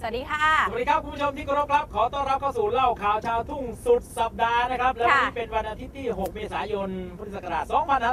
สวัสดีค่ะสวัสดีครับคุณผู้ชมที่เคารพครับขอต้อนรับเข้าสู่เล่าข่าวชาวทุ่งสุดสัปดาห์นะครับและวันนี้เป็นวันอาทิตย์ที่ 6 เมษายน พุทธศักราช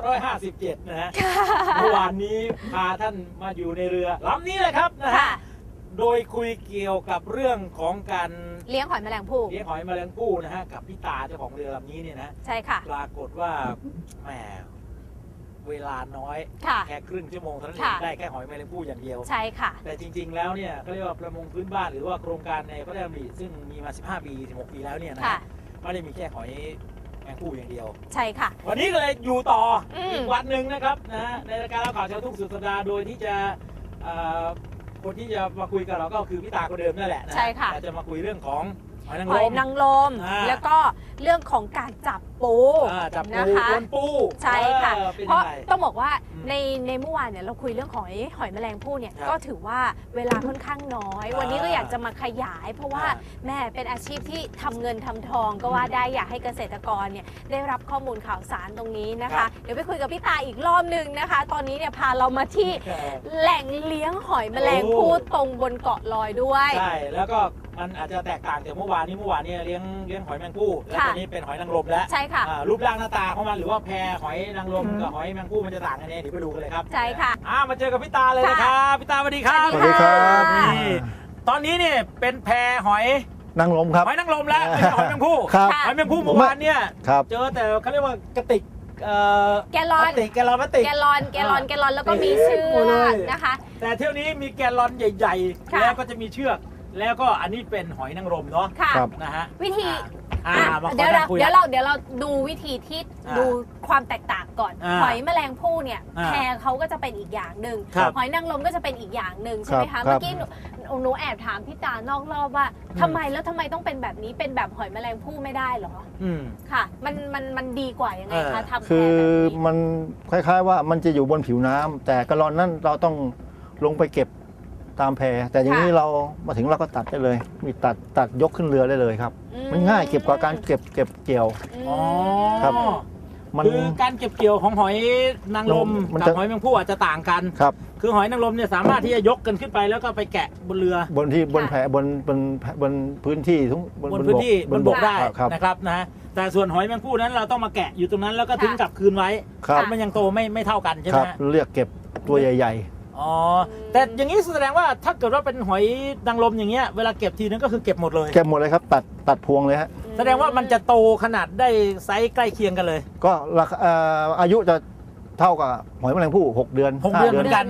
2557 นะฮะเมื่อวานนี้พาท่านมาอยู่ในเรือลำนี้เลยครับนะฮะโดยคุยเกี่ยวกับเรื่องของการเลี้ยงหอยแมลงภู่นะฮะกับพี่ตาเจ้าของเรือลำนี้เนี่ยนะใช่ค่ะปรากฏว่าแหมเวลาน้อยแค่ครึ่งชั่วโมงเท่านั้นเองได้แค่หอยแมลงภู่อย่างเดียวใช่ค่ะแต่จริงๆแล้วเนี่ยเขาเรียกว่าประมงพื้นบ้านหรือว่าโครงการในพระราชดำริซึ่งมีมา15 ปี 16 ปีแล้วเนี่ยนะไม่ได้มีแค่หอยแมลงภู่อย่างเดียวใช่ค่ะวันนี้ก็เลยอยู่ต่ออีกวันหนึ่งนะครับนะในรายการเล่าข่าวชาวทุ่งสุดสัปดาห์โดยที่จะคนที่จะมาคุยกับเราก็คือพี่ตาคนเดิมนั่นแหละนะใช่ค่ะจะมาคุยเรื่องของหอยนางรมแล้วก็เรื่องของการจับปูนะคะปูใช่ค่ะเพราะต้องบอกว่าในเมื่อวานเนี่ยเราคุยเรื่องของหอยแมลงภู่เนี่ยก็ถือว่าเวลาค่อนข้างน้อยวันนี้ก็อยากจะมาขยายเพราะว่าแม่เป็นอาชีพที่ทำเงินทำทองก็ว่าได้อยากให้เกษตรกรเนี่ยได้รับข้อมูลข่าวสารตรงนี้นะคะเดี๋ยวไปคุยกับพี่ตาอีกรอบนึงนะคะตอนนี้เนี่ยพาเรามาที่แหล่งเลี้ยงหอยแมลงภู่ตรงบนเกาะลอยด้วยใช่แล้วก็มันอาจจะแตกต่างจากเมื่อวานนี้เลี้ยงหอยแมงภู่แล้วตอนนี้เป็นหอยนางรมแล้วใช่ค่ะรูปร่างหน้าตาของมันหรือว่าแพหอยนางรมกับหอยแมงภู่มันจะต่างกันเดี๋ยวไปดูกันเลยครับใช่ค่ะมาเจอกับพี่ตาเลยนะครับพี่ตาสวัสดีครับสวัสดีครับนี่ตอนนี้เนี่ยเป็นแพหอยนางรมครับหอยนางรมแล้วไม่ใช่หอยแมงภู่หอยแมงภู่เมื่อวานเนี่ยเจอแต่เขาเรียกว่ากระติกแกลลอนแล้วก็มีเชือกนะคะแต่เที่ยวนี้มีแกลลอนใหญ่ๆแล้วก็จะมีเชือกแล้วก็อันนี้เป็นหอยนางรมเนาะนะฮะวิธีเดี๋ยวเราดูวิธีที่ดูความแตกต่างก่อนหอยแมลงภู่เนี่ยแพเขาก็จะเป็นอีกอย่างหนึ่งหอยนางรมก็จะเป็นอีกอย่างหนึ่งใช่ไหมคะเมื่อกี้หนูแอบถามพี่ตานอกรอบว่าทำไมต้องเป็นแบบนี้เป็นแบบหอยแมลงภู่ไม่ได้หรอค่ะมันดีกว่ายังไงคะทำแพแบบนี้คือมันคล้ายๆว่ามันจะอยู่บนผิวน้ำแต่กระรอนนั้นเราต้องลงไปเก็บตามแพแต่อย่างนี้เรามาถึงเราก็ตัดได้เลยมีตัดยกขึ้นเรือได้เลยครับมันง่ายเก็บกว่าการเก็บเกี่ยวครับคือการเก็บเกี่ยวของหอยนางรมกับหอยแมงภู่อาจจะต่างกันครับคือหอยนางรมเนี่ยสามารถที่จะยกกันขึ้นไปแล้วก็ไปแกะบนเรือบนแพบนพื้นที่บนบกได้นะครับนะแต่ส่วนหอยแมงภู่นั้นเราต้องมาแกะอยู่ตรงนั้นแล้วก็ทิ้งกลับคืนไว้มันยังโตไม่เท่ากันใช่ไหมเรียกเก็บตัวใหญ่อ๋อแต่อย่างนี้แสดงว่าถ้าเกิดว่าเป็นหอยนางรมอย่างเงี้ยเวลาเก็บทีนึงก็คือเก็บหมดเลยครับตัดพวงเลยฮะแสดงว่ามันจะโตขนาดได้ไซส์ใกล้เคียงกันเลยก็อายุจะเท่ากับหอยแมลงภู่6 เดือน 5 เดือนเหมือนกัน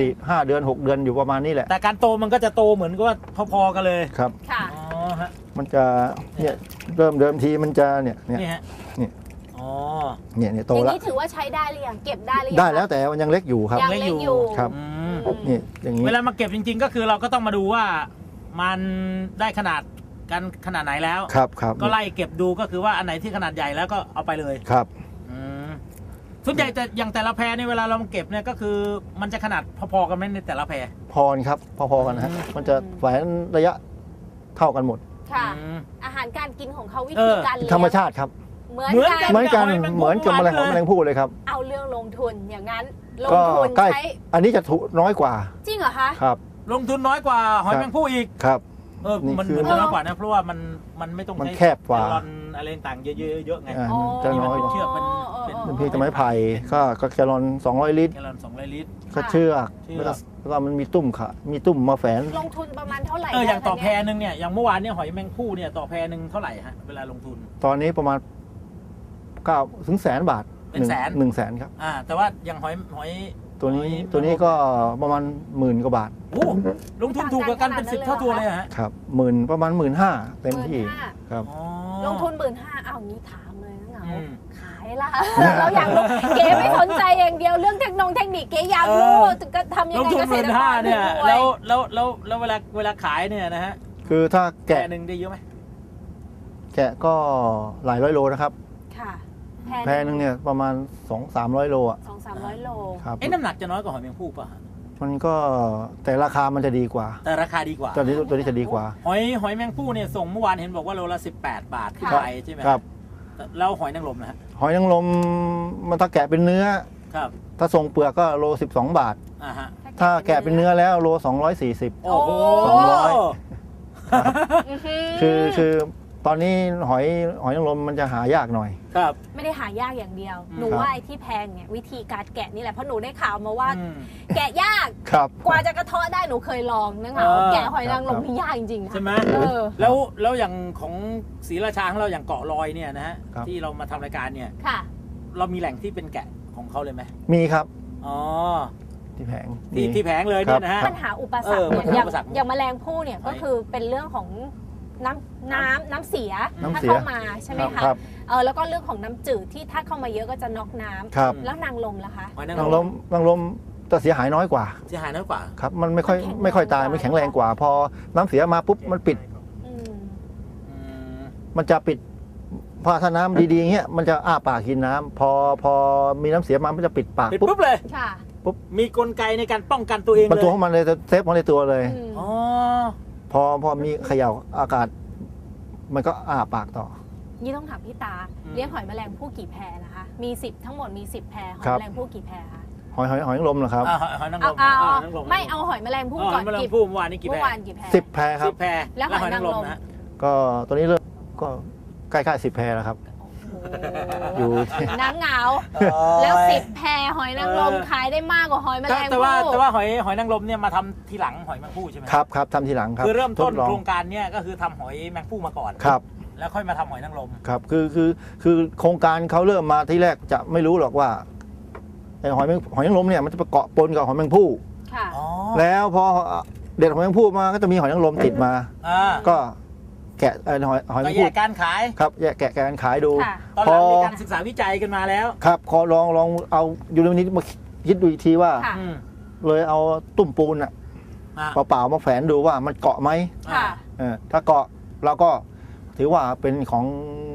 5 เดือน6 เดือนอยู่ประมาณนี้แหละแต่การโตมันก็จะโตเหมือนกับว่าพอๆกันเลยครับค่ะมันจะเนี่ยเดิมทีมันจะเนี่ยโตแล้วอย่างนี้ถือว่าใช้ได้หรือยังเก็บได้หรือยังได้แล้วแต่มันยังเล็กอยู่ครับยังเล็กอยู่ครับนี่อย่างนี้เวลามาเก็บจริงๆก็คือเราก็ต้องมาดูว่ามันได้ขนาดไหนแล้วครับก็ไล่เก็บดูก็คือว่าอันไหนที่ขนาดใหญ่แล้วก็เอาไปเลยครับส่วนใหญ่แต่อย่างแต่ละแพในเวลาเรามาเก็บเนี่ยก็คือมันจะขนาดพอๆกันไหมในแต่ละแพพอครับพอๆกันนะฮะมันจะแหวนระยะเท่ากันหมดค่ะอาหารการกินของเขาวิธีการเลี้ยงธรรมชาติครับเหมือนกันเหมือนกับแมลงภู่เลยครับเอาเรื่องลงทุนอย่างนั้นลงทุนใช้อันนี้จะถูกน้อยกว่าจริงเหรอคะครับลงทุนน้อยกว่าหอยแมงภู่อีกครับมันจะน้อยกว่านะเพราะว่ามันไม่ต้องใช้แคบกว่าอะไรต่างเยอะไงจะน้อยเชือกเป็นเพียงแต่ไม้ไผ่ก็แกลลอน200 ลิตรก็เชือกแล้วก็มันมีตุ่มค่ะมีตุ่มมาแฝงลงทุนประมาณเท่าไหร่อย่างต่อแพนึงเนี่ยอย่างเมื่อวานเนี่ยหอยแมงภู่เนี่ยต่อแพนึงเท่าไหร่ฮะเวลาลงทุนตอนนี้ประมาณ9 ถึงแสนบาทเป็น 100,000ครับแต่ว่าอย่างหอยตัวนี้ก็ประมาณ10,000 กว่าบาทลงทุนถูกกว่ากันเป็น10 เท่าตัวเลยฮะครับประมาณ15,000เต็มที่ครับลงทุน15,000เอางี้ถามเลยนะเหงาขายละเราอยากรู้เก๋ไม่สนใจอย่างเดียวเรื่องเทคนิคเก๋อยากรู้ก็ทำยังไงเกษตรกรเนี่ยแล้วเวลาขายเนี่ยนะฮะคือถ้าแกะนึงได้เยอะไหมแกะก็หลายร้อยโลนะครับค่ะแพนึงเนี่ยประมาณ 200-300 โลอ่ะ 200-300 โลครับน้ำหนักจะน้อยกว่าหอยแมงภู่ป่ะมันก็แต่ราคามันจะดีกว่าแต่ราคาดีกว่าตัวนี้จะดีกว่าหอยแมงภู่เนี่ยส่งเมื่อวานเห็นบอกว่าโลละ18 บาทขึ้นไปใช่ไหมครับแล้วหอยนางรมนะฮะหอยนางรมมันถ้าแกะเป็นเนื้อครับถ้าส่งเปลือกก็โล12 บาทถ้าแกะเป็นเนื้อแล้วโล240 โอ้โหคือตอนนี้หอยนางรมมันจะหายากหน่อยครับไม่ได้หายากอย่างเดียว หนูครับว่าไอ้ที่แพงเนี่ยวิธีการแกะนี่แหละเพราะหนูได้ข่าวมาว่า แกะยากครับกว่าจะกระเทาะได้หนูเคยลองนะคะแกะหอยนางรมนี่ยากจริงๆนะใช่ไหม แล้วอย่างของศรีราชาของเราอย่างเกาะลอยเนี่ยนะฮะครับที่เรามาทำรายการเนี่ยค่ะเรามีแหล่งที่เป็นแกะของเขาเลยไหมมีครับอ๋อที่แผงที่แผงเลยเนี่ยนะฮะปัญหาอุปสรรคเนี่ยปัญอหาย่างอุปสรรคอย่างแมลงภู่เนี่ยก็คือเป็นเรื่องของน้ำเสียน้ำถ้าเสียเข้ามาใช่ไหมคะครับแล้วก็เรื่องของน้ำจืดที่ถ้าเข้ามาเยอะก็จะน็อกน้ำครับแล้วนางลมล่ะคะหอยนางนางรรมมนางรมจะเสียหายน้อยกว่าเสียหายน้อยกว่าครับ มันไม่ค่อยตายมันแข็งแรงกว่า พอน้ำเสียมาปุ๊บมันปิดอืมอืมมันจะปิดพอถ้าน้ำดีๆอย่างเงี้ยมันจะอ้าปากกินน้ำพอมีน้ำเสียมามันจะปิดปากปิดปุ๊บปุ๊บเลยค่ะมีกลไกในการป้องกันตัวเองมันเลยตัวของมันเลยจะเซฟมันในตัวเลยอืมอ๋อพอมีเขย่าอากาศ มันก็อ้าปากต่อนี่ต้องถามพี่ตา เลี้ยงหอยแมลงภู่กี่แพรนะคะ มี10ทั้งหมดมี10แพรหอยครับแมลงภู่กี่แพรคะหอยนางรมเหรอครับหอยนางรเอามเอาหอยนางรมไม่เอาหอยแมลงภู่หก่ออย นแมลงกี่ภู่เมื่อวานนี้กี่เมื่แพรอวานกี่แพร 10 แพรครับ 10 แพรแล้วหอยนางรมนะฮะก็ตอนนี้เริ่มก็ใกล้ๆ10 แพรแล้วครับโอ้โหอยู่ที่น้ำเหงา แล้ว10แพรหอยนางรมขายได้มากกว่าหอยแมลงแต่ภู่ว่าหอยนางรมเนี่ยมาทำทีหลังหอยแมงภู่ใช่ไหมครับทำทีหลังครับคือเริ่มต้นทดลองโครงการเนี่ยก็คือทำหอยแมงภู่มาก่อนครับแล้วค่อยมาทำหอยนางรมครับคือโครงการเขาเริ่มมาที่แรกจะไม่รู้หรอกว่าไอ้หอยนางรมเนี่ยมันจะไปเกาะปนกับหอยแมงภู่ค่ะอ๋อแล้วพอเด็ดหอยแมงภู่มาก็จะมีหอยนางรมติดมา ก็แกะหอยแมก็งแยภู่กการขายครับแยกแกะกันขายดูค่ะตอนหลังมีการศึกษาวิจัยกันมาแล้วครับขอลองเอายูนินิตมาคิดดูอีกทีว่าค่ะอืมเลยเอาตุ่มปูนอะอ่ะเปล่าๆมาแฝนดูว่ามันเกาะไหมค่ะถ้าเกาะเราก็ถือว่าเป็นของ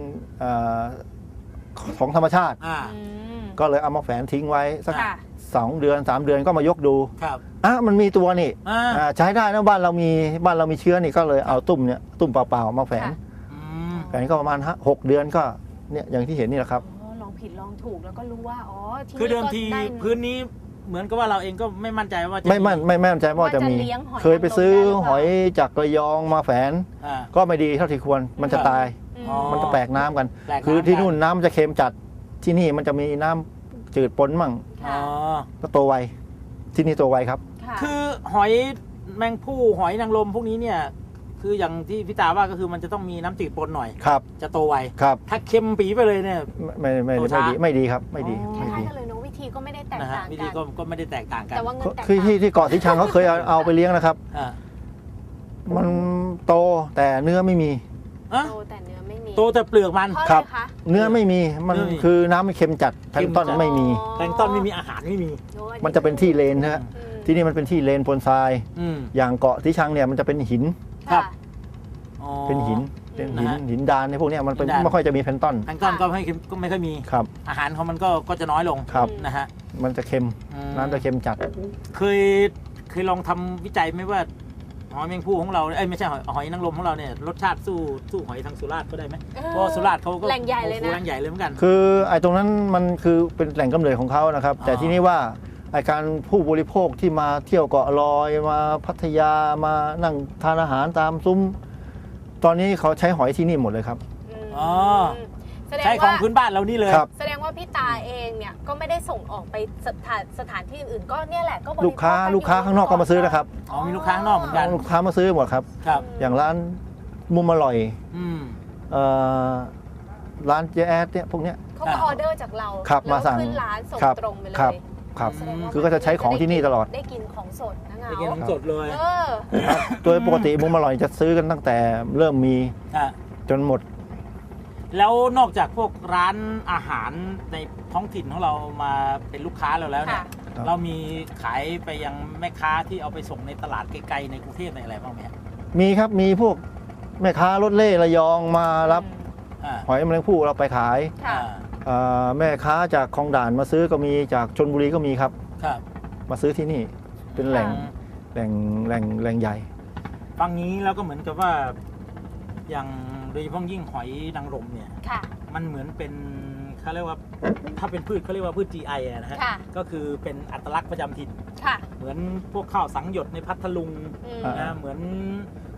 ของธรรมชาติอ่าอืมก็เลยเอามาแฝนทิ้งไว้สักค่ะ 2 เดือน 3 เดือนก็มายกดูครับมันมีตัวนี่ ใช้ได้นะบ้านเรามีเชื้อนี่ก็เลยเอาตุ่มเปล่าๆมาแฝนค่ะอืมแฝนก็ประมาณ6 เดือนก็เนี่ยอย่างที่เห็นนี่แหละครับอ๋อลองผิดลองถูกแล้วก็รู้ว่าอ๋อที่คือเดิมก็ทีได้พื้นนี้เหมือนกับว่าเราเองก็ไม่มั่นใจว่าจะไม่มั่นใจว่าจะมีเลี้ยงหอยเคยไปซื้อหอยจากระยองมาแฝนอ่าก็ไม่ดีเท่าที่ควรมันจะตายอืมอ๋อมันจะแปลกน้ำกันแปลกน้ำคือที่นู่นน้ำมันจะเค็มจัดที่นี่มันจะมีน้ำจืดปนมั่งอ๋อก็โตไวที่นี่โตไวครับค่ะคือหอยแมงภู่หอยนางรมพวกนี้เนี่ย คืออย่างที่พี่ตาว่าก็คือมันจะต้องมีน้ำจืดปนหน่อยครับจะโตไวครับถ้าเค็มปีไปเลยเนี่ย โตช้าไม่ดีครับไม่ดีคไม่ล้ายดีๆกันเลยเนาะวิธีก็ไม่ได้แตกนะฮะต่างวิกัธีนก็ไม่ได้แตกต่างกันแต่ว่าเงินแตกคือต่างที่เกาะสีชังเขาเคยเอาไปเลี้ยงนะครับอ่ามันโตแต่เนื้อไม่มีอ่ะโตแต่เนื้อไม่มีโตแต่เปลือกมันเพราะคอะรัไรบคะเนื้อไม่มีมันเนื้อไม่มีคือน้ำมันเค็มจัดแพลงก์ต้นเค็มจัดไม่มีแพลงก์ต้นไม่มีอาหารไม่มีโอ้ยมันจะเป็นที่เลนนะฮะอืมที่นี่มันเป็นที่เลนปนทรายอืมอย่างเกาะสีชังเนี่ยมันจะเป็นหินครับค่ะอ๋อเป็นหินเป็นหินนะฮะหินดานในพวกเนี้ยมันเป็นหินดานไม่ค่อยจะมีแพลงก์ต้นแพลงก์ต้นก็ไม่ค่อยมีครับอาหารของมันก็จะน้อยลงครับนะฮะมันจะเค็มอืมน้ำจะเค็มจัดเคยลองทำวิจัยไหมว่าหอยแมงภู่ของเราไม่ใช่หอยนางรมของเราเนี่ยรสชาติสู้หอยทางสุราษฎร์ก็ได้ไหมเพราะว่าสุราษฎร์เขาก็แหล่งใหญ่เลยโอ้โหนะแหล่งใหญ่เลยเหมือนกันคือไอ้ตรงนั้นมันคือเป็นแหล่งกำเนิดของเขานะครับ แต่อ๋อที่นี่ว่าไอ้การผู้บริโภคที่มาเที่ยวเกาะลอยมาพัทยามานั่งทานอาหารตามซุ้ม ตอนนี้เขาใช้หอยที่นี่หมดเลยครับมอ๋อแสดงใช้ของว่าพื้นบ้านเรานี่เลยครับแสดงว่าพี่ตาเองเนี่ยก็ไม่ได้ส่งออกไปสถานที่อื่นๆก็เนี่ยแหละก็บริโภลูกค้ากันลูกค้าข้างนอกก็มาซื้อนะครับอ๋อมีลูกค้าข้างนอกเหมือนกันลูกค้ามาซื้อหมดครับครับอย่างร้านมุมอร่อยอืมเอ่อร้านเจแอดเนี่ยพวกเนี้ยเขาก็ออเดอร์จากเราครับแล้วมาสั่งขึ้นร้านส่งครับตรงไปเลยครับ ครับแสดงว่าคือก็จะใช้ของที่นี่ตลอดได้กินของสดนะเงาไปกินของสดเลยเออครับโดยปกติมุมอร่อยจะซื้อกันตั้งแต่เริ่มมีอ่ะจนหมดแล้วนอกจากพวกร้านอาหารในท้องถิ่นของเรามาเป็นลูกค้าเราแล้วเนี่ยค่ะครับเรามีขายไปยังแม่ค้าที่เอาไปส่งในตลาดไกลๆในกรุงเทพในอะไรบ้างไหมครับมีครับมีพวกแม่ค้ารถเล่ระยองมารับอ่าหอยแมลงภู่เราไปขายค่ะแม่ค้าจากคลองด่านมาซื้อก็มีจากชลบุรีก็มีครับครับมาซื้อที่นี่เป็นแหล่งอืมแหล่งใหญ่ฟังนี้แล้วก็เหมือนกับว่าอย่างโดยเฉพาะยิ่งหอยนางรมเนี่ยค่ะมันเหมือนเป็นเขาเรียกว่าถ้าเป็นพืชเขาเรียกว่าพืช GI อะนะฮะค่ะก็คือเป็นอัตลักษณ์ประจำถิ่นค่ะเหมือนพวกข้าวสังหยดในพัทลุงอืมอ่านะเหมือน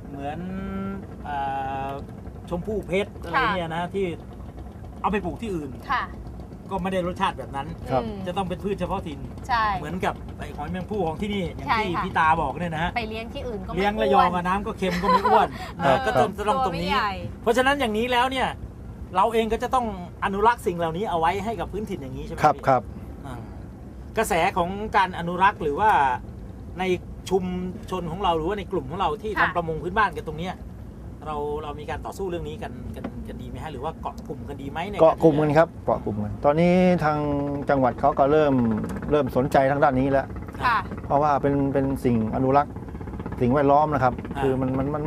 เหมือนอ่าชมพู่เพชรอะไรเนี่ยนะที่เอาไปปลูกที่อื่นค่ะก็ไม่ได้รสชาติแบบนั้นครับจะต้องเป็นพืชเฉพาะถิ่นใช่เหมือนกับไอ้หอยแมงภู่ของที่นี่อย่างใช่ที่ค่ะพี่ตาบอกเนี่ยนะฮะไปเลี้ยงที่อื่นก็ไม่เลี้ยงระยองกับน้ำก็เค็มก็ไม่อ้วนครันะบก็ต้องตรงนี้ เพราะฉะนั้นอย่างนี้แล้วเนี่ยเราเองก็จะต้องอนุรักษ์สิ่งเหล่านี้เอาไว้ให้กับพื้นถิ่นอย่างนี้ใช่ไหมครับพี่ครับอ่ากระแสของการอนุรักษ์หรือว่าในชุมชนของเราหรือว่าในกลุ่มของเราที่ทำประมงพื้นบ้านกันตรงเนี้ยเรามีการต่อสู้เรื่องนี้กันดีไหมฮะหรือว่าเกาะกลุ่มกันดีไหมในเกาะกลุ่มกันครับเกาะกลุ่มกันตอนนี้ทางจังหวัดเขาก็เริ่มสนใจทางด้านนี้แล้วค่ะเพราะว่าเป็นสิ่งอนุรักษ์สิ่งแวดล้อมนะครับ คือมัน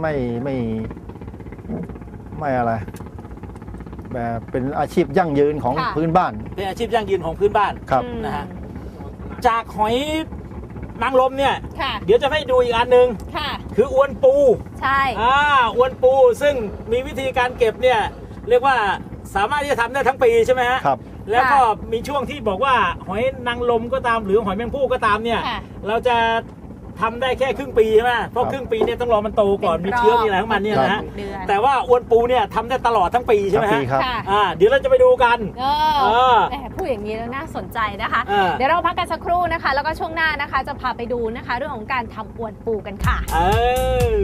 ไม่อะไร แบบเป็นอาชีพยั่งยืนของค่ะพื้นบ้านเป็นอาชีพยั่งยืนของพื้นบ้านครับนะฮะ จากหอยนางรมเนี่ยค่ะเดี๋ยวจะให้ดูอีกอันหนึ่งค่ะคืออวนปูใช่อวนปูซึ่งมีวิธีการเก็บเนี่ยเรียกว่าสามารถที่จะทำได้ทั้งปีใช่ไหมฮะครับแล้วก็มีช่วงที่บอกว่าหอยนางรมก็ตามหรือหอยแมงภู่ก็ตามเนี่ยค่ะเราจะทำได้แค่ครึ่งปีใช่ไหมเพราะครับครึ่งปีเนี่ยต้องรอมันโตก่อนมีเชื้อมีอะไรของมันเนี่ยนะฮะเดือนแต่ว่าอวนปูเนี่ยทำได้ตลอดทั้งปีใช่ไหมทั้งปีฮะครับค่ะเดี๋ยวเราจะไปดูกันเอออแหมพูดอย่างนี้แล้วน่าสนใจนะคะเออเดี๋ยวเราพักกันสักครู่นะคะ แล้วก็ช่วงหน้านะคะ จะพาไปดูนะคะ เรื่องของการทำอวนปูกันค่ะเออ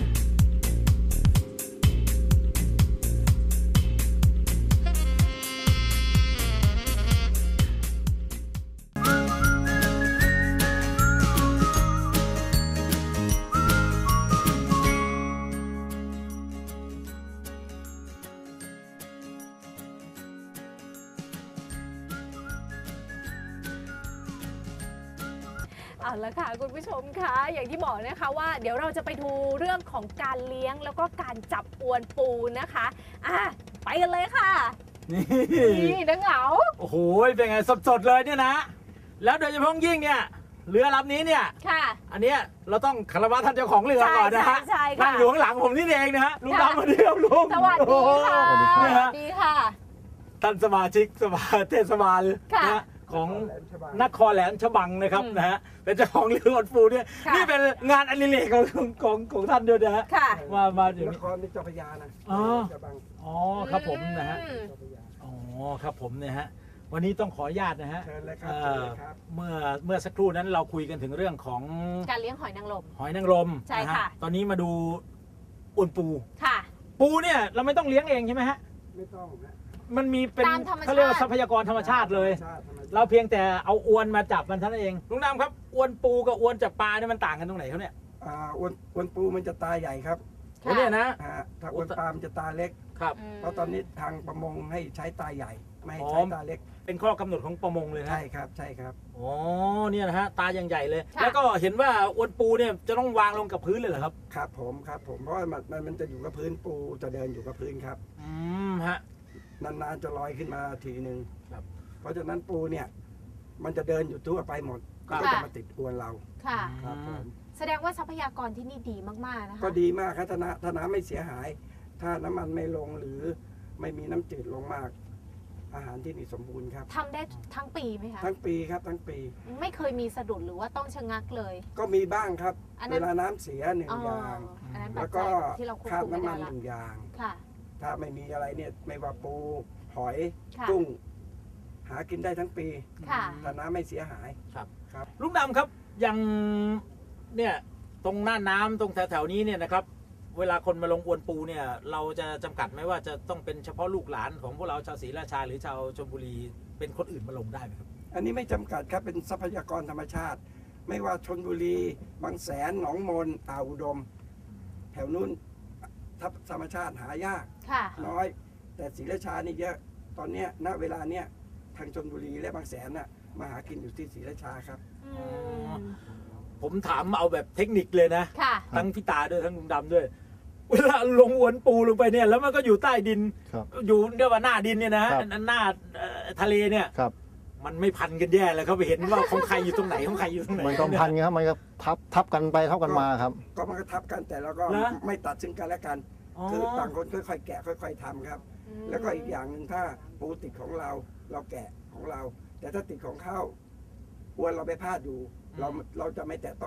เอาละค่ะคุณผู้ชมคะอย่างที่บอกนะคะว่าเดี๋ยวเราจะไปดูเรื่องของการเลี้ยงแล้วก็การจับอวนปูนะคะไปกันเลยค่ะนี่นี่นังเหงาโอ้โหเป็นไงสดๆเลยเนี่ยนะ แล้วโดยเฉพาะยิ่งเนี่ยเรือลำนี้เนี่ยค่ะอันเนี้ยเราต้องคารวะท่านเจ้าของเรือก่อนนะฮะใช่ค่ะนั่งอยู่ข้างหลังผมนี่เองนะฮะลุงดำมาเดียวลุงสวัสดีค่ะสวัสดีครับสวัสดีค่ะท่านสมาชิกสภาเทศบาลค่ะนะฮะของนครแหลมฉบังนะครับอืมนะฮะเป็นเจ้าของเรืออวนปูเนี่ยค่ะนี่เป็นงานอดิเรกของท่านด้วยนะฮะค่ะมาอยู่นนี่ครนี่เจ้าพระยานะอ๋อจะบังอ๋อครับผมนะฮะอืมเจ้าพระยาอ๋อครับผมเนี่ยฮะวันนี้ต้องขออนุญาตนะฮะเชิญเลยครับเอ่เชิญอเลยครับเมื่อสักครู่นั้นเราคุยกันถึงเรื่องของการเลี้ยงหอยนางรมหอยนางรมใช่นฮค่ะตอนนี้มาดูอวนปูค่ะปูเนี่ยเราไม่ต้องเลี้ยงเองใช่ไหมฮะไม่ต้องนะมันมีเป็นตามธรรมชาติเขาเรียกว่าทรัพยากรธรรมชาติเลยธรรมชาติธรรมชาติเราเพียงแต่เอาอวนมาจับมันเท่านั้นเองลุงดำครับอวนปูกับอวนจับปลาเนี่ยมันต่างกันตรงไหนเขาเนี่ยอ้วนปูมันจะตาใหญ่ครับโอ้เนี่ยนะถ้าอ้วนปลามันจะตาเล็กครับเพราะตอนนี้ทางประมงให้ใช้ตาใหญ่ ไม่ให้อ๋อใช้ตาเล็กเป็นข้อกำหนดของประมงเลยนะใช่ครับใช่ครับอ๋อเนี่ยนะฮะตายังใหญ่เลยค่ะแล้วก็เห็นว่าอวนปูเนี่ยจะต้องวางลงกับพื้นเลยเหรอครับครับผมเพราะว่ามันจะอยู่กับพื้นปูจะเดินอยู่กับพื้นครับฮะนานๆจะลอยขึ้นมาทีหนึ่งครับเพราะฉะนั้นปูเนี่ยมันจะเดินอยู่ทั่วไปหมดครับก็จะมาติดอวนเราค่ะครับผมแสดงว่าทรัพยากรที่นี่ดีมากๆนะคะก็ดีมากครับถ้าน้ำไม่เสียหาย ถ้าน้ำมันไม่ลงหรือไม่มีน้ำจืดลงมาก อาหารที่นี่สมบูรณ์ครับทำได้ทั้งปีไหมคะทั้งปีครับทั้งปีไม่เคยมีสะดุดหรือว่าต้องชะงักเลยก็มีบ้างครับอันนั้นเวลาน้ำเสียหนึ่งอ๋ออย่างอันนั้นปัแล้จวจัก็ยที่เราควบคราบคุมไม่น้ำมัได้นละหนึ่งอย่างค่ะถ้าไม่มีอะไรเนี่ยไม่ว่าปูหอยค่ะกุ้ง หากินได้ทั้งปีค่ะถ้าน้ำไม่เสียหายครับครับลุงดำครับอย่างเนี่ยตรงหน้าน้ำตรงแถวๆนี้เนี่ยนะครับ เวลาคนมาลงอวนปูเนี่ย เราจะจำกัดไหมว่าจะต้องเป็นเฉพาะลูกหลานของพวกเราชาวศรีราชาหรือชาวชลบุรีเป็นคนอื่นมาลงได้ไหมครับอันนี้ไม่จำกัดครับเป็นทรัพยากรธรรมชาติ ไม่ว่าชนบุรีบางแสนหนองมนอ่าวอุดม แถวนู้นธรรมชาติหายากค่ะน้อย แต่ศรีราชานี่เยอะตอนเนี้ยณเวลาเนี้ยทางชนบุรีและบางแสนน่ะมาหากินอยู่ที่ศรีราชาครับอืมผมถามเอาแบบเทคนิคเลยนะค่ะทั้งพี่ตาด้วยทั้งลุงดำด้วย เวลาลงอวนปูลงไปเนี่ย แล้วมันก็อยู่ใต้ดินครับอยู่เรียกว่าหน้าดินเนี่ยนะฮะครับหน้าทะเลเนี่ยครับมันไม่พันกันแย่เลยเขาไปเห็นว่าของใครอยู่ตรงไหนของใครอยู่ตรงไหนมันก็พันกันครับมันก็ทับกันไปทับกันมาครับก็มันก็ทับกันแต่เราก็นะไม่ตัดซึ่งกันและกันอ๋อคือต่างคนค่อยๆแกะค่อย ๆทำครับ แล้วก็อีกอย่างหนึ่งถ้าปูติดของเราเราแกะของเรา แต่ถ้าติดของเขาอวนเราไปพาดอยู่ เราจะไม่แตะต้อง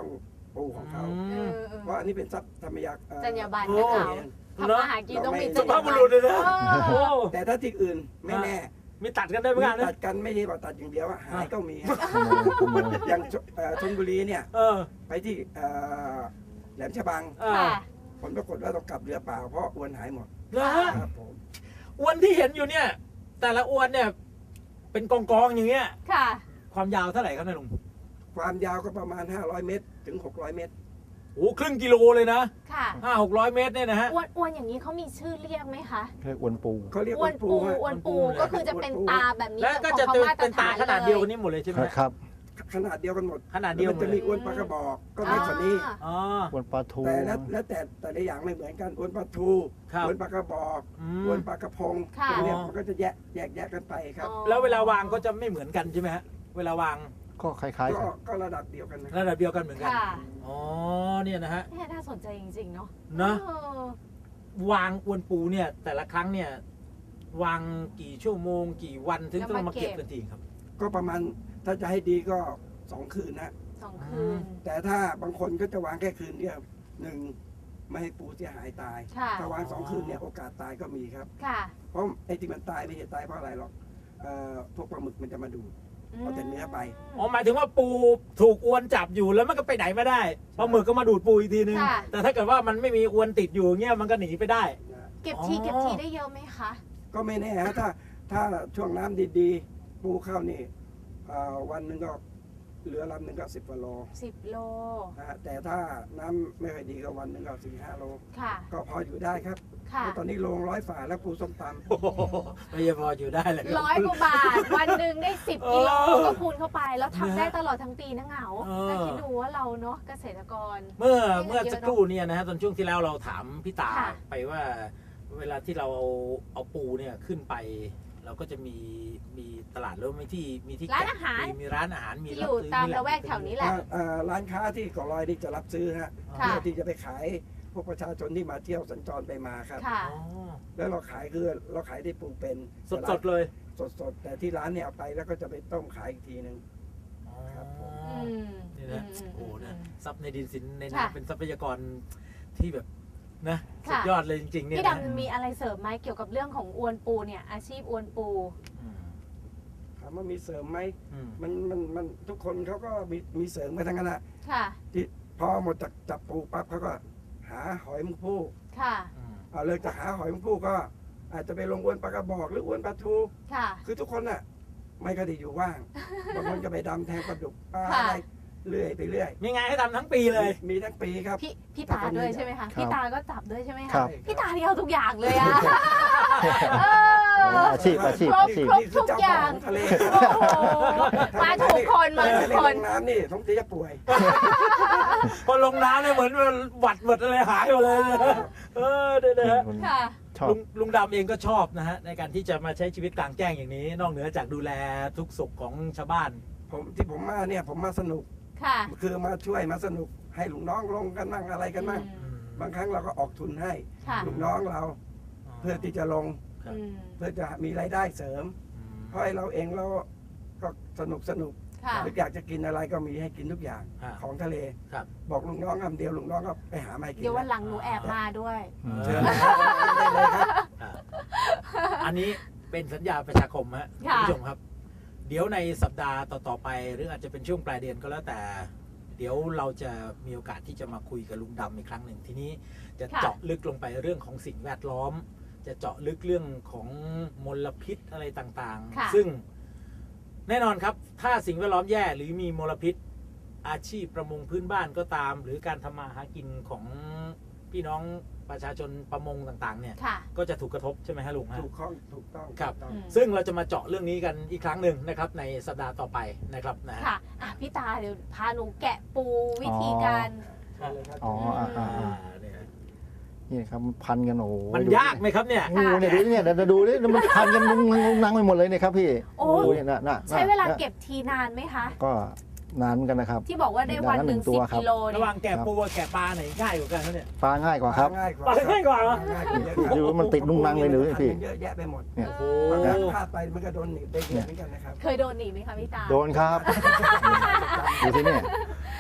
ปูของเขาเออเพราะอันนี้เป็นทรัพย์ธรรมยาจรรยาบรรณโอ้นะเขาทำมาหากินต้องมีจรสุรภายาพบุบรรรุษณเลยนะเอโอ้อแต่ถ้าที่อื่นไม่แน่มีตัดกันได้เหมือนกันตันะดกันไม่ได้ว่าตัดอย่างเดียวอะหายก็มีขโมยขโมยอย่างชลบุรีเนี่ยเออไปที่แหลมฉบังเออค่ะผลปรากฏว่าต้องกลับเรือเปล่าเพราะอวนหายหมดนะฮะครับผมอวนที่เห็นอยู่เนี่ย แต่ละอวนเนี่ย เป็นกองๆอย่างเงี้ยค่ะความยาวเท่าไหร่ครับนายลุงความยาวก็ประมาณ 500 เมตรถึง 600 เมตรโอ้ครึ่งกิโลเลยนะค่ะ 500-600 เมตรเนี่ยนะฮะอ้วนๆอย่างนี้เขามีชื่อเรียกไหมคะเรียกอวนปูเขาเรียกอ้วนปูฮะอ้วนปูก็คือจะเป็นตาแบบนี้แล้วก็จะของเขามาตรเป็นตาฐานขนาดเดียวกันลนี้หมดเลยใช่ไหมครับขนาดเดียวกันหมดขนาดเดียวมันหมจะดเลมียอวนปลากระบอกก็เล็กกว่านี้อ๋ออวนปลาทูแต่ละอย่างไม่เหมือนกันอวนปลาทูครับอวนปลากระบอกอืมอวนปลากระพงค่ะพวกเนี้ยมันก็จะแยกกันไปครับอ๋อแล้วเวลาวางก็จะไม่เหมือนกันใช่ไหมฮะ เวลาวางก็คล้ายๆกันก็ระดับเดียวกันนะระดับเดียวกันเหมือนกันค่ะอ๋อ เนี่ยนะฮะเนี่ยน่าสนใจจริงๆเนาะเนอะเออวางอวนปูเนี่ย แต่ละครั้งเนี่ย วางกี่ชั่วโมง กี่วันถึงต้องมาเก็บกันทีครับก็ประมาณถ้าจะให้ดีก็ 2 คืนนะ 2 คืนแต่ถ้าบางคนก็จะวางแค่คืนเดียวหนึ่งไม่ให้ปูเสียหายตายค่ะถ้าวาง 2 คืนเนี่ยโอกาสตายก็มีครับค่ะเพราะไอ้ที่มันตายไม่ใช่ตายเพราะอะไรหรอกพวกปลาหมึกมันจะมาดูด เอาแต่เนื้อไปอ๋อ หมายถึงว่าปูถูกอวนจับอยู่แล้วมันก็ไปไหนไม่ได้ปลาหมึกก็มาดูดปูอีกทีนึงค่ะแต่ถ้าเกิดว่ามันไม่มีอวนติดอยู่เงี้ยมันก็หนีไปได้นะเก็บอ๋อทีได้เยอะไหมคะก็ไม่แน่ฮะถ้าช่วงน้ำดีๆ ปูเข้านี่วันหนึ่งก็เหลือลำหนึ่งก็10 กว่าโล 10 โลนะฮะแต่ถ้าน้ำไม่ค่อยดีก็วันหนึ่งก็4-5 โลค่ะก็พออยู่ได้ครับค่ะเพราะตอนนี้โล100 ฝาแล้วปูส้มตำโอ้โหไม่ยังพออยู่ได้เลยครับ 100 กว่าบาท วันหนึ่งได้ 10 กิโลเออก็คูณเข้าไป แล้วทำได้ตลอดทั้งปีนะเหงาเออแล้วคิดดูว่าเราเนาะเกษตรกรเมื่อไม่เยอะสักครู่เนี่ยนะฮะตอนช่วงที่แล้วเราถามพี่ตาค่ะไปว่าเวลาที่เราเอาปูเนี่ยขึ้นไป เราก็จะมีตลาดแล้วมีที่ร้านอาหารมีร้านอาหารมีที่อยู่ซื้ตามหละแวกแถวนี้แหละร้านค้าที่เก่อลอยนี่จะรับซื้อฮะค่ะเพื่อที่จะไปขายพวกประชาชนที่มาเที่ยวสัญจรไปมาครับค่ะอ๋อแล้วเราขายคือเราขายที่ปูเป็นสดๆเลยสดๆแต่ที่ร้านเนี่ยเอาไปแล้วก็จะไปต้มขายอีกทีหนึ่งอ๋อครับผมอืมนี่นะอืมโอ้โหนะอืมทรัพย์ในดินสินในค่ะน้ำเป็นทรัพยากรที่แบบนะค่ะสุดยอดเลยจริงๆเนี่ยพี่นะดำมีอะไรเสริมไหมเกี่ยวกับเรื่องของอวนปูเนี่ยอาชีพอวนปูอืมถามว่ามีเสริมไหมอืมมันทุกคนเขาก็มีเสริมไปทั้งนั้นนะค่ะที่พอหมดจากจับปูปั๊บเขาก็หาหอยมุกผู้ค่ะอืมเอาเลยจากหาหอยมุกผู้ก็อาจจะไปลงอวนปลากระบอกหรืออวนปลาทูค่ะคือทุกคนน่ะไม่ก็ได้อยู่ว่าง บางคนก็ไปดำแทงปลาดุกปลาค่ะอะไรเรื่อยไปเรื่อยมีงานให้ทำทั้งปีเลยมีทั้งปีครับพี่ตาด้วยใช่ไหมคะ พี่ตาก็จับด้วยใช่ไหมครัคะบพี่ตาที่เอาทุกอย่างเลยอะเอออาชีพครบ ทุกอย่างนี่คืเจ้ขทะเลโอ้โหมาถูกคนมาถูกคนลงน้ำนี่ต้องจะป่วยพอลงน้ำเนี่ยเหมือนหวัดอะไรหายหมดเลยนะเออเดี๋ยวนะฮะค่ะชอบลุงดำเองก็ชอบนะฮะในการที่จะมาใช้ชีวิตกลางแจ้งอย่างนี้ นอกเหนือจากดูแลทุกสุขของชาวบ้านผมมาเนี่ยผมมาสนุกค่ะคือมาช่วยมาสนุกให้ลูกน้องลงกันบ้างอะไรกันบ้างอืมบางครั้งเราก็ออกทุนให้ค่ะลูกน้องเราเพื่อที่จะลงอืมเพื่อจะมีรายได้เสริม เพราะไอ้เราเองเราก็สนุกค่ะหรืออยากจะกินอะไรก็มีให้กินทุกอย่างฮะของทะเลครับบอกลูกน้องคำเดียวลูกน้องก็ไปหามาให้กินเดี๋ยววันหลังหนูแอบมาด้วยเชิญนะครับได้เลยครับอันนี้เป็นสัญญาประชาคมฮะคุณค่ะผู้ชมครับ เดี๋ยวในสัปดาห์ต่อๆไป หรืออาจจะเป็นช่วงปลายเดือนก็แล้วแต่ เดี๋ยวเราจะมีโอกาสที่จะมาคุยกับลุงดำอีกครั้งหนึ่งทีนี้จะค่ะเจาะลึกลงไปเรื่องของสิ่งแวดล้อม จะเจาะลึกเรื่องของมลพิษอะไรต่างค่ะๆ ซึ่งแน่นอนครับ ถ้าสิ่งแวดล้อมแย่หรือมีมลพิษ อาชีพประมงพื้นบ้านก็ตาม หรือการทำมาหากินของพี่น้องประชาชนประมงต่างๆ เนี่ยค่ะก็จะถูกกระทบใช่ไหมฮะลุงฮะถูกต้องครับถูกต้องอืมซึ่งเราจะมาเจาะเรื่องนี้กันอีกครั้งหนึ่งนะครับ ในสัปดาห์ต่อไปนะครับนะฮะค่ะอ่ะ พี่ตาเดี๋ยวพาหนูแกะปูวิธีการเชิญเลยครับอ๋อเนี่ยนี่ครับมันพันกันโอ้โหมันยากไหมครับเนี่ยงูเนี่ยดูเนี่ยเดี๋ยวดูดิมันพันกันงงนังไปหมดเลยเนี่ยครับพี่โอ้ดูเนี่ยน่ะใช้เวลาเก็บทีนานไหมคะก็นานเหมือนกันนะครับที่บอกว่าได้วันหนึ่งตัว 10 ครับกิโลระเนี่หยว่างแกะปูกับแกะปลาไหนง่ายกว่ากันครับเนี่ยปลาง่ายกว่าครับง่ายกว่าปลาง่ายกว่าเหรอง่ายกว่าเยอะครับดูว่ามันติดนุ่งนังเลยหรือพี่เยอะแยะไปหมดเนี่ยโอ้บางโหครั้งพลาดไปมันก็โดนหนีบได้เยอะเหมือนกันนะครับเคยโดนหนีไหมคะพี่ตาโดนครับดูที่เนี่ย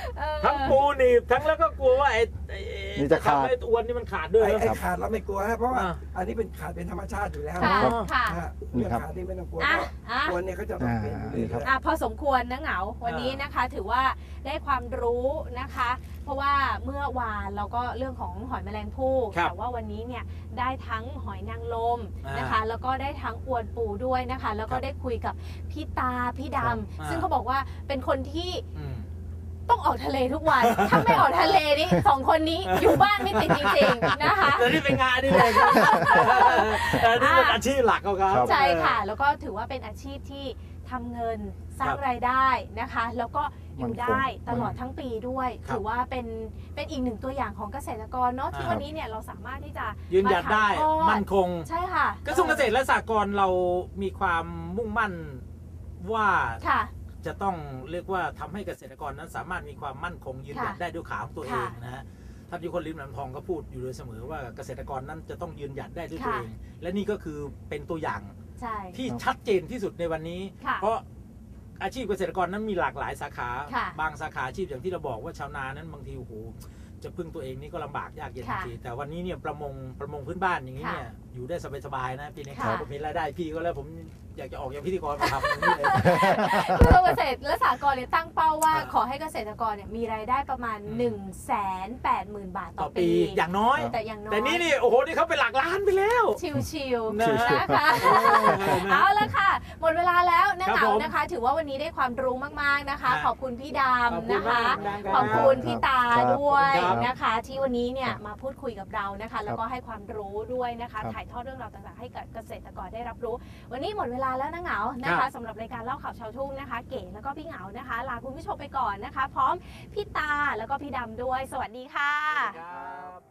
ทั้งปูหนีบทั้งแล้วก็กลัวว่าไอ้นี่จะขาดทำให้อวนนี่มันขาดด้วยไอ้นะขาดเราไม่กลัวฮะเพราะว่าอ่าอันนี้เป็นขาดเป็นธรรมชาติอยู่แล้วค่ะครับค่ะฮะเรื่องขาดนี่ไม่ต้องกลัวเพอ่ะราะอ่ะกลัวเนี่ยเขาจะต้องเปลี่ยนอยู่นี่เรื่ครับอยพอสมควรนะเหงาวันนี้นะคะถือว่าได้ความรู้นะคะ เพราะว่าเมื่อวานเราก็เรื่องของหอยแมลงภู่ครับแต่ว่าวันนี้เนี่ยได้ทั้งหอยนางรมอ่านนะคะ แล้วก็ได้ทั้งอวนปูด้วยนะคะ แล้วก็ครับได้คุยกับพี่ตาพี่ดอ่าำซึ่งเขาบอกว่าเป็นคนที่อืมต้องออกทะเลทุกวัน ถ้าไม่ออกทะเลนี่สองคนนี้อยู่บ้านไม่ติดจริงๆนะคะแต่นี่เป็นงานนี่เลยครับแต่นี่เป็นอาชีพหลักของเขาครับใช่ค่ะ แล้วก็ถือว่าเป็นอาชีพที่ทำเงินสร้างรายได้นะคะ แล้วก็อยู่ได้ตลอดทั้งปีด้วยครับถือว่าเป็นอีกหนึ่งตัวอย่างของเกษตรกรเนาะที่ครับวันนี้เนี่ยเราสามารถที่จะยืนหยัดได้าถ่ายทอมั่นคงใช่ค่ะกระทรวงเกษตรและสหกรณ์เรามีความมุ่งมั่นว่าค่ะจะต้องเรียกว่าทำให้เกษตรกรนั้นสามารถมีความมั่นคงยืนหยัดค่ะได้ด้วยขาของตัวเองค่ะนะฮะท่านยุคนลิมลำทองก็พูดอยู่โดยเสมอว่าเกษตรกรนั้นจะต้องยืนหยัดได้ด้วยตัวค่ะเอง และนี่ก็คือเป็นตัวอย่างใช่ที่ชัดเจนที่สุดในวันนี้ค่ะเพราะอาชีพเกษตรกรนั้นมีหลากหลายสาขาค่ะบางสาขาอาชีพอย่างที่เราบอกว่าชาวนานั้นบางทีโอ้โหจะพึ่งตัวเองนี่ก็ลำบากยากเย็นค่ะบางทีแต่วันนี้เนี่ยประมงพื้นบ้านอย่างนี้เนี่ย อยู่ได้สบายๆนะปีนี้ค่ะผมเห็นรายได้พี่ก็แล้วผมอยากจะออกอย่างพิธีกรมาทำอย่างนี้เลยกระทรวงเกษตรและสหกรณ์เนี่ยตั้งเป้าว่าอ่าขอให้เกษตรกรเนี่ยมีรายได้ประมาณ 180,000 บาทต่ต่ออปีปีอย่างน้อยแต่อย่างน้อยแต่นี่โอ้โหนี่เขาเป็นหลักล้านไปแล้วชิวๆนะนะคะนะเอาละค่ะ หมดเวลาแล้วนะครัเหบงาผมนะคะ ถือว่าวันนี้ได้ความรู้มากๆนะคะครับขอบคุณพี่ดขอบำคุณนะคะมากดังๆขอบคุณพี่ตาครับด้วยขอบคุณครับนะคะ ที่วันนี้เนี่ยมาพูดคุยกับเรานะคะ แล้วก็ครับให้ความรู้ด้วยนะคะครับถ่ายทอดเรื่องราวต่างๆให้กับเกษตรกรได้รับรู้ วันนี้หมดเวลาแล้วนะเหงานะคะสำหรับรายการเล่าข่าวชาวทุ่งนะคะ เก๋แล้วก็พี่เหงานะคะ ลาคุณผู้ชมไปก่อนนะคะ พร้อมพี่ตาแล้วก็พี่ดำด้วย สวัสดีค่ะครับ